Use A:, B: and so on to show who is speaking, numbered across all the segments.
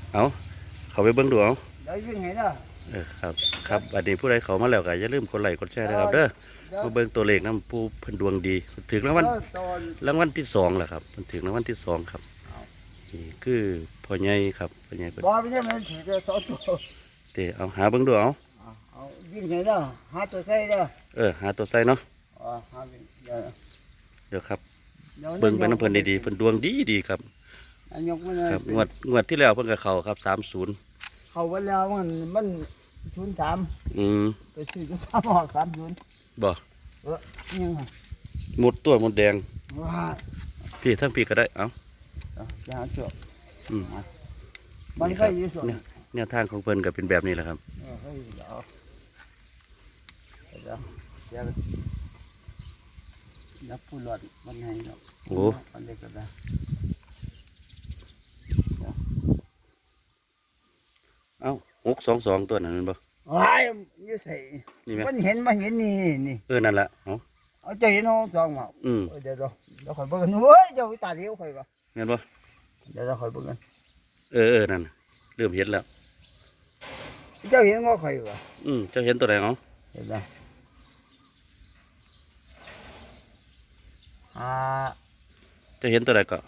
A: เอาเขาไปเบิ่งดูเอา
B: เดี๋ยววิ่งไงเนาะ
A: ครับอันนี้ผู้ใดเขามาแล้วก็อย่าลืมกดไลค์กดแชร์นะครับเด้อมาเบิ่งตัวเลขนำผู้เพิ่นดวงดีถึงรางวัลที่2แหละครับเพิ่นถึงรางวัลที่2ครับนี่คือพ่อใหญ่ครับพ่อใหญ่เพิ่น
B: บ่ไม่ใช่มันถือสองตัว
A: เด้เอาหาเบิ่งดูเอา
B: เอาวิ่งไงเนาะหาตัวใส่เนาะ
A: หาตัวใส่เนาะ
B: หาวิ่งเ
A: ดี๋ยวครับเบิ่งไปน้ำเพิ่นดีๆเพิ่นดวงดีครับ
B: ยกมันเลย
A: ครับงวดที่แล้วเพิ่นก็เข้าครับ30
B: เข้าไปแล้วมัน03ไปซื้อ03ออก30
A: บ่
B: ยัง
A: หมดตัวหมดแดง
B: ว้า
A: พี่ทั้งพี่ก็ได้เอ้า
B: จะหาเชือกมันก็อยู่ส่วน
A: เนี่ยทางของเพิ่นก็เป็นแบบนี้แหละครับ
B: นับผู้หลอดมันไงเนาะ
A: โอ้
B: มันเด็กก็ได้
A: เอ้า622ตัวนั้นมันบ่
B: ว้ายอยู่ใส่มันเห็นนี่
A: นั่นแหละ
B: เอาจะเห็น622มาเดี๋ยวคอยเบิ่งเฮ้ยเจ้าตาเดียวคอยบ่
A: เห็นบ่
B: เดี๋ยวคอยเบิ่งกัน
A: นั่นเริ่มเห็นแล้ว
B: เจ้าเห็นงอคอยบ่
A: เจ้าเห็นตัวไหน
B: เห็นแล้ว
A: เจ้าเห็นตัวไหนก็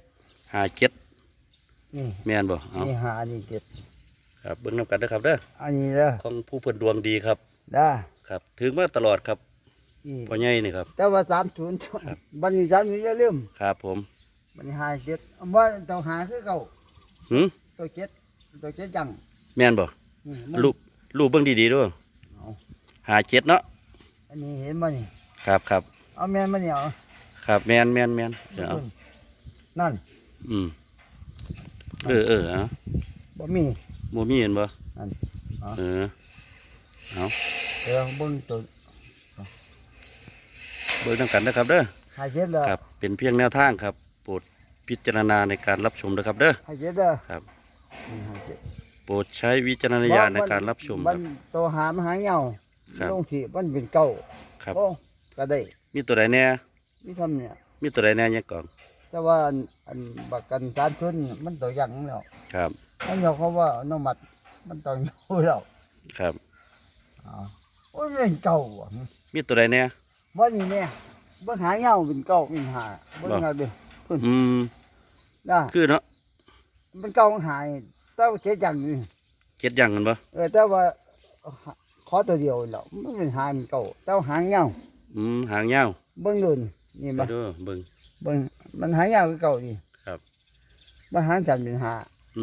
B: 57นี่
A: แม่นบ่
B: นี่5นี่7
A: ครับเบิ่งนำกันนะครับเด้อ
B: อันนี้เด้อ
A: ของผู้เพิ่นดวงดีครับ
B: ได้
A: ครับถึงมาตลอดครับพ่อใหญ่นี่ครับ
B: แต่ว่า30บัดนี้30อย่าลืม
A: ครับผม
B: บัดนี้57บ่ต้องหาคือเก่าตัว7จัง
A: แม่นบ่รูปเบิ่งดีๆด้วย57เนาะ
B: อันนี้เห็นบ่นี่
A: ครับ
B: เอาแม่นบ่นี่เอา
A: ครับแม่นเดี๋ยว
B: นั่นบ่มี
A: เห็นบ่
B: นั่น
A: เอา
B: เบิ่งตัว
A: เบิ่งนำกันนะครับเด้อ
B: 57เด้อ
A: ครับเป็นเพียงแนวทางครับโปรดพิจารณาในการรับชมนะครับเด้อ
B: 57เด้อ
A: ครับโปรดใช้วิจารณญาณในการรับชมครับ
B: ตัวหามหาเหงาลงที่มันเป็นเก่า
A: ครับ
B: ก็ได้
A: มีตัวใดแน่
B: มีทำเนี่ย
A: มีตัวใดแน่ยังก่อน
B: แต่ว่าอันบักกันการชนมันตัวยังแล้ว
A: ครับ
B: นั่นเขาว่าน้องมัดมันตัวอยู่แล้ว
A: ครับ
B: โอ้ยเป็นเก่า
A: มีตัวใดแน่
B: บ่นี่แน่บ่หาเหงาเป็นเก่าเป็นหาบ่เงาเด้อได้
A: คือเนาะ
B: มันเก่าหายแต่ว่าเจ็ดอย่างนี่
A: 7อย่างกันบ่
B: แต่ว่าขอตัวเดียวแล้วมันเป็นหามันเก่าแต่หางเหงา
A: หางยาว
B: เบิ่งดูนี่บ่
A: เบิ่ง
B: มันหางยาวคือเก่าดิ
A: ครับ
B: มันหางจันเป็นหา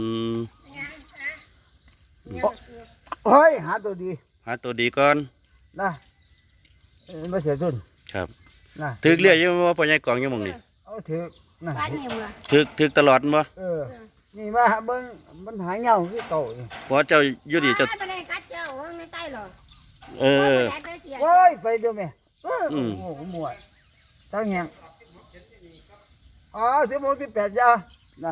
B: เฮ้ยหาตัวดี
A: ก่อน
B: นะไม่เสียทุน
A: ครับนะถึกเรียกยังว่าพ่อใหญ่กองยังมองนี่
B: เอาถึกนะ
A: ถึกตลอดบ่
B: นี่มาเบิ่งมันหางยาวคือเก่า
A: พอเจ้าอยู่ดีเจ้า
B: โอ้ยไปดูแม่โอ้โหหมวดตั้งยัง16 18จ้านะ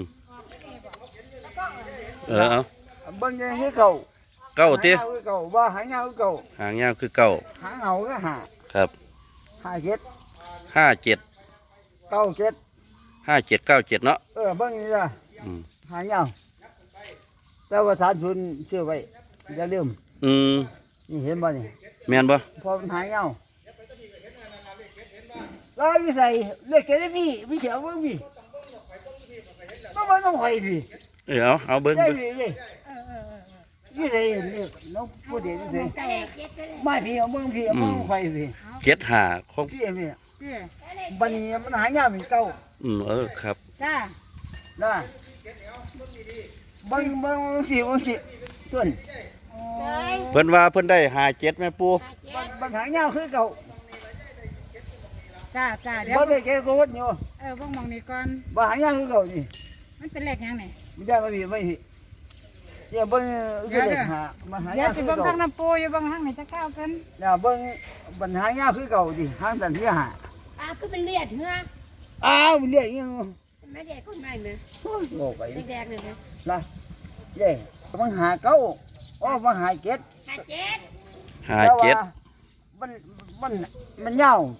A: เอา
B: เบิ่งยังคือเก่า
A: ติ
B: ว่าหางยาวคือเก่า
A: หางยาวคือเก่า
B: หางเอาก็หา
A: ครับ
B: 57
A: 57 เนาะ
B: เบิ่งนี่จ้ะหางยาวแต่ว่าฐานทุนชื่อไว้อย่าลืมนี่เห็นบ่นี่
A: แม่นบ่
B: พอมันหายเอาแล้วพี่ใส่เลือกแกได้พี่เขียวเบิ่งพี่ต้องหอยพี่
A: เอาเบิ่ง
B: พี่ใส่น้องพูดเดี๋ยวพี่ใส่ไม่พี่เอาเบิ่งพี่เอาเบิ่งหอยพี่
A: 75ของ
B: พี่บัดนี้มันหายาวเป็นเก่า
A: ครับ
B: จ้าได้เบิ่งพี่ต้น
A: เพิ่นว่าเพิ่นได้57แม่ปู่
B: บังหางยาวคือเก่า
C: จ้าเดี๋ยว
B: บ่ได้แกโกดอยู่
C: เบิ่งมองนี่ก่อน
B: บังหางยาวคือเก่านี่
C: มันเป็นเลขยังนี่
B: ไม่ได้ไม่อย่าเบิ่งคือเลขหาบังหางยาวคือเก่า
C: เบิ่งทางน้ำปูอยู่เบิ่งทางไหนจะก้าวกัน
B: อย่าเบิ่งบังหางยาวคือเก่าดิหางสันที่หา
C: คือเป็นเลียดเหร
B: อเลียดยัง
C: ไม่แดกคนใหม่มั้ย
B: โง่ไป
C: แดกเลย
B: นะเย้บังหาเก่าบังหา7มันยาว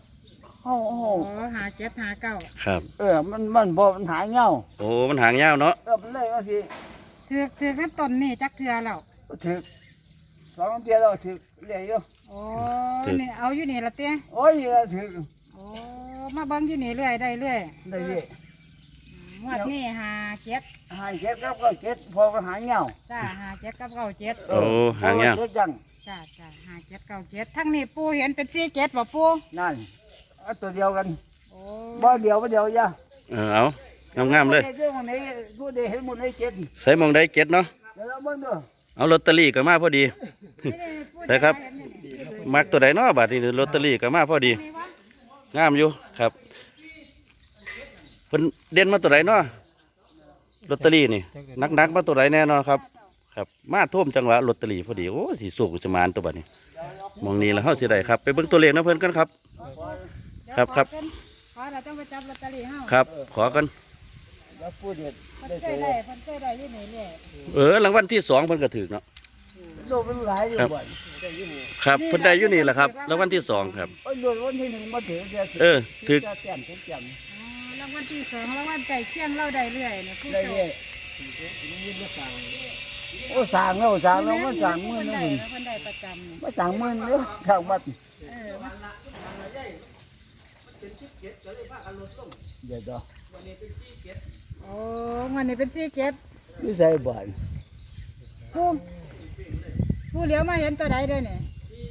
C: 57 59
A: ครับ
B: มันบ่มันหางยาว
A: มันหางยาวเนาะ
B: มันเลยว่าสิ
C: ถือกน้ำต้นนี่จักเทือแล้ว
B: ถึก2 เดือนแล้วถึกเรื่อยอยู่
C: โอ้นี่เอาอยู่นี่ละเต้
B: โอ้ยถึก
C: โอ้มาเบิ่งอยู่นี่เรื่อยได้เรื่อย
B: ได้เรื่อย
C: งวดนี้หาเจ็ด
B: หาเจ็ดครับก็เจ็ดพอก็หาเหงา
C: จ้าหาเจ็ดกับเก้าเจ็ด
A: โอ้หางเงี้ย
B: เจ็ดจัง
C: จ้าหาเจ็ดเก้าเจ็ดทั้งนี้ปูเห็นเป็นสี่เจ็ดบ่ปู
B: นั่นเอาตัวเดียวกัน
C: โอ้
B: บ่เดียวย่า
A: เอางามๆเลย
B: เรื่องนี้ผู้ใดเห็นหมดเลยเจ็ด
A: ใส่หมองได้เจ็ดเนาะ
B: เดี๋ยวเราเบิ่งดู
A: เอาลอตเตอรี่ก็มาพอดี ได้ครับ มักตัวใดเนาะบาทนี้ลอตเตอรี่ก็มาพอดี งามอยู่ครับเพิ่นเด่นมาตัวใดเนาะลอตเตอรี่นี่นักๆมาตัวใดแน่นอนครับ ครับ มาท่วมจังหวะลอตเตอรี่พอดีโอ้สิสุกจะมานตัวบัดนี้มองนี้แล้วเฮาสิได้ครับ ไปเบิ่งตัวเลขนะเพิ่นกันครับ ครับ
C: ขอเราต้องไปจับลอตเตอรี่เฮา
A: ครับ ขอกัน
B: แล้วผู้เด็ด
C: เพิ่นเคยได้อยู่นี่เรื่อย
A: รางวัลที่2เพิ่นก็ถึกเนาะ
B: โลกมันหลายอยู่
A: ครับ
B: บ่อย
A: ครับเพิ่นได้อยู่นี่แหละครับรางวัลที่2ครับ
B: โอ้ยโดนวันที่หนึ่งมาถึง
A: ถึก
B: จะแจ่มแจ่ม
C: อ๋อรางวัลที่สองรางวัลไก่เคียงเราได้เรื่อยเนี่ยผู้
B: ได้
C: โช
B: เรื่อ
C: ค
B: ยโอ้สั่งแล้วมันสั่งมือ
C: เพิ่น
B: นึ
C: ได้
B: ง
C: เพิ่นได้ประจำนี่
B: มาสั่งมือนึงข้างวัด
C: เออมัน
B: เดี๋ยว
C: โอ้วันนี้เป็นสี่เจ็ด
B: นี่ใส่บ่อย
C: ผู้เหลียวมาเห็นตัวใดเด้อเนี่ย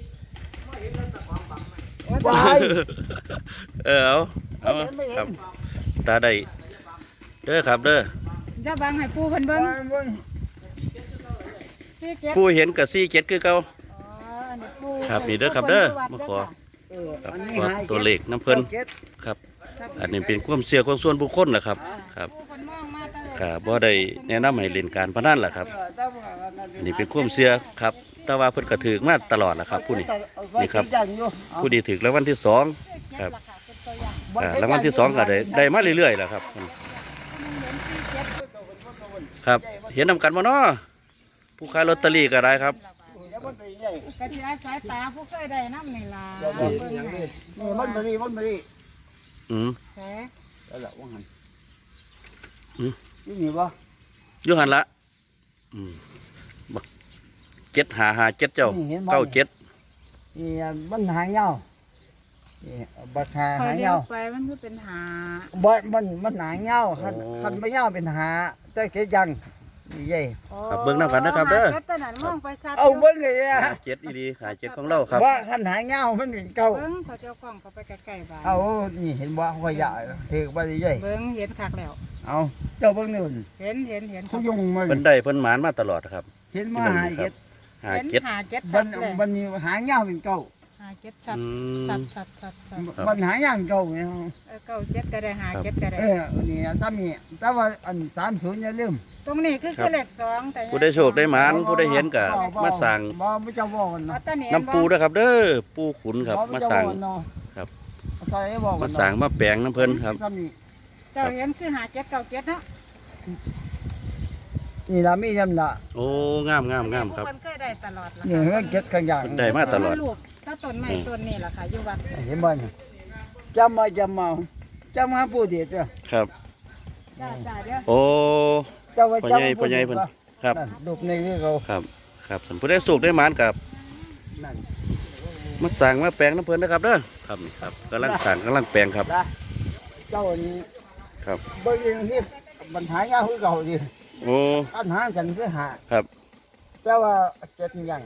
B: บ่อย
A: เอาครับตาได้เด้อครับเด้อ
C: จะบังให้ปูเพิ่นเบิ่ง
B: เบิ่ง
C: สี่เจ็ด
A: ผู้เห็นกับ47คือเก่า
C: อ๋ออันนี้ปู
A: ครับนี่เด้อครับเด้อมาขอ ครับ
B: อันนี้
A: ขอ
B: หา
A: ตัวเลขน้ำเพิ่น
B: เจ็ด
A: ครับ อันนี้เป็นความเชื่อของส่วนบุคคลแหละครับ ครับ
C: ปูเพิ่นมองมาตลอด
A: ครับบ่ได้แนะนำให้เล่นการพนันล่ะครับ อันนี้เป็นความเชื่อครับ แต่ว่าเพิ่นก็ถือมาตลอดล่ะครับ ผู้นี้ นี่ครับ ผู้ดีถือรางวัลที่2
C: เจ็ด
A: ครับ
C: ล่ะค่ะเป็นตัวอย่าง
A: รางวัลที่2ก็ได้มาเรื่อยๆล่ะครับ
C: เห็นสี่เจ็ด
A: ครับ เห็นนำกันบ่เนาะผู้ขายลอตเตอรี่ก็ได้ครับ
C: กะทิอาศัยตาผู้เคยได้น้ำนี่ล่ะ
B: นี่
C: เบิ่งให้
B: มันมาดี
A: อืม
C: แท้
B: แล้วล่ะว่าหัน
A: อืม
B: นี่บ่
A: อยู่หันละอืมบัก7557เจ้า97
B: นี่มันหาเหงานี่บักหา
C: คอ
B: หาย เห
C: เลี้ย
B: งาว
C: ไปมันคือเป็นหา
B: บ่มันหาเหงาคันบ่เหงาเป็นหาแต่เกยังนี่ใหญ่
A: ครับเบิ่งนำกันนะครับเด้อ
C: หาจ็ตัวนั้นมองไปชัด
B: เอาเบิ่งเลยอ่ะ
A: 57อีหลี57ของเราครับ
B: ว่าคันหาเหงามันเป็นเก่า
C: เบิ่งเขาเจ้ากล้องเขาไปใกล้ๆบ้าน
B: เอานี่เห็นบ่ขยะถือบ่ได้ใหญ่
C: เบิ่งเห็นคักแล้ว
B: เอาเจ้าเบิ่งนี่
C: เห็น
B: เขายุงมา
A: เพิ่นได้เพิ่นหมานมาตลอดครับ
B: เห็นมาหาเจ็ด
A: หา
C: เห็น
A: เจ็ด
C: หาเจ็ด
B: บั
C: ชั
B: น
C: ดเลย
B: บันนี้หาเหงาเป็นเก่า
C: หาเจ็ดชัด
A: อืม
C: ชัด
B: บันหาเหงาเป็นเก่าเนี่ย
C: เก้าเจ็ดก็ได้หาเจ็ดก็ได้
B: นี่ซ้ำนี่แต่ว่าอัน30อย่าลืม
C: ตรงนี้คือเลขสองแต่
A: ผู้ได้โชคได้หมานผู้ได้เห็นก็มาสั่ง
B: บ่จะบอกกัน
C: เอา
B: เนาะ
C: ตานี่
A: น้ำปูด้วยครับ เด้อปูขุนครับ มาสั่ง ครับ
B: ใครบอกกั
A: มาน สั่งมาแปลงน้ำเพิ่นครับ
B: ซ้ำนี่
C: เจ้าเห็นคือหาเจ็ดเก้าเจ็ดเนาะ
B: นี่ล่ะมีจำละ
A: โอ้งามครับ
C: คนเคยได้ตลอดล่ะ
B: นี่เรื่องเก็ดข้างอย่าง
A: เพิ่นได้มาตลอด
C: ลูกถ้าต้นไม้ต้นนี้ล่ะค่ะอยู่วัด
B: เห็นบ่เนี่ยจำมาผู้เดียดเด้อ
A: ครับ
C: จ้าเดี๋ยว
A: โอ้
B: เจ้าว่า
A: พ่อ
B: จำ
A: ใหญ่พ่อใหญ่เพิ่นครับ
B: นั่นรูปนี้คือเขา
A: ครับครับท่านผู้ได้โชคได้หมานกับ
B: นั่น
A: มาสั่งมาแปลงน้ำเพิ่นนะครับเด้อครับนี่ครับกำลังสั่งกำลังแปลงครับ
B: นะเจ้านี่
A: ครับ
B: เบิ่งอย่างนี้ปัญหายากคือเก่าดิ
A: โอ้
B: ปัญหากันคือหา
A: ครับ
B: แต่ว่าเจ็ดอย่าง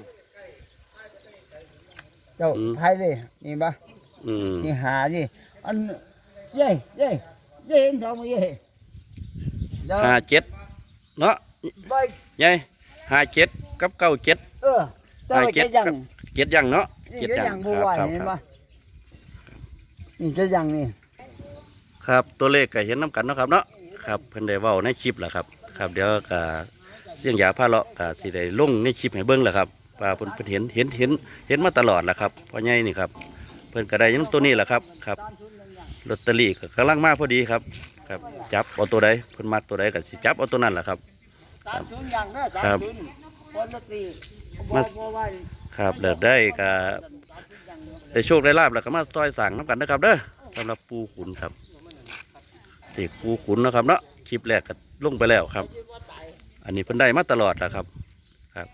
B: เจ้าไทยเลยนี่บ่
A: อืม
B: นี่หาดิอันเย่เห็นสองมือเย่เดี๋ยว
A: 57เนาะ
B: ไป
A: ยาย57กับ97
B: แต่ว่าเจ็ดอย่าง
A: เจ็ดอย่างเนาะ
B: นี่เจ็ดอย่างบัว
A: ครับ
B: เห็น
A: ค
B: บ่
A: รับ
B: นี่เจ็ดอย่างนี่
A: ครับตัวเลขก็เห็นน้ำกันเนาะครับเนาะครับเพิ่นได้เว้าในคลิปแหละครับครับเดี๋ยวก็เสียงยาพาเลาะก็สิได้ลงในคลิปให้เบิ่งแหละครับว่าเพิ่นเห็นมาตลอดแหละครับพ่อใหญ่นี่ครับเพิ่นก็ได้ยังตัวนี้แหละครับครับลอตเตอรี่ก็กำลังมาพอดีครับครับจับเอาตัวใดเพิ่นมักตัวใดก็สิจับเอาตัวนั้นแหละครับ
B: 30อย่างเด้อ
A: ครับ
B: 30คนละตี
A: มา
B: บ่ว่า
A: ครับเลิกได้ก็ได้โชคได้ลาบแล้วก็มาซอยสั่งน้ำกันนะครับเด้อสำหรับปูขุนครับเด็กปูขุนนะครับเนาะคลิปแรกก็ลงไปแล้วครับอันนี้เพิ่นได้มาตลอดนะครับครับ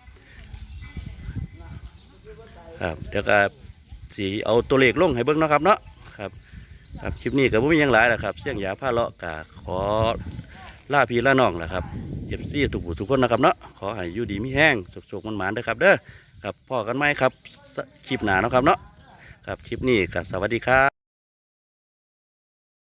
A: ครับเดี๋ยวก็สีเอาตัวเลขลงให้เบิ่งเนาะครับเนาะครับครับคลิปนี้ก็บ่มีหยังหลายแล้วครับเสี่ยงยาผ้าเลาะกะขอลาพี่ลาน้องแหละครับFC ทุกคนนะครับเนาะขอให้อยู่ดีมีแห้งสุขๆมันหมานๆเด้อครับเด้อครับพ่อกันไหมครับคลิปหน้าเนาะครับเนาะครับคลิปนี้ก็สวัสดีครั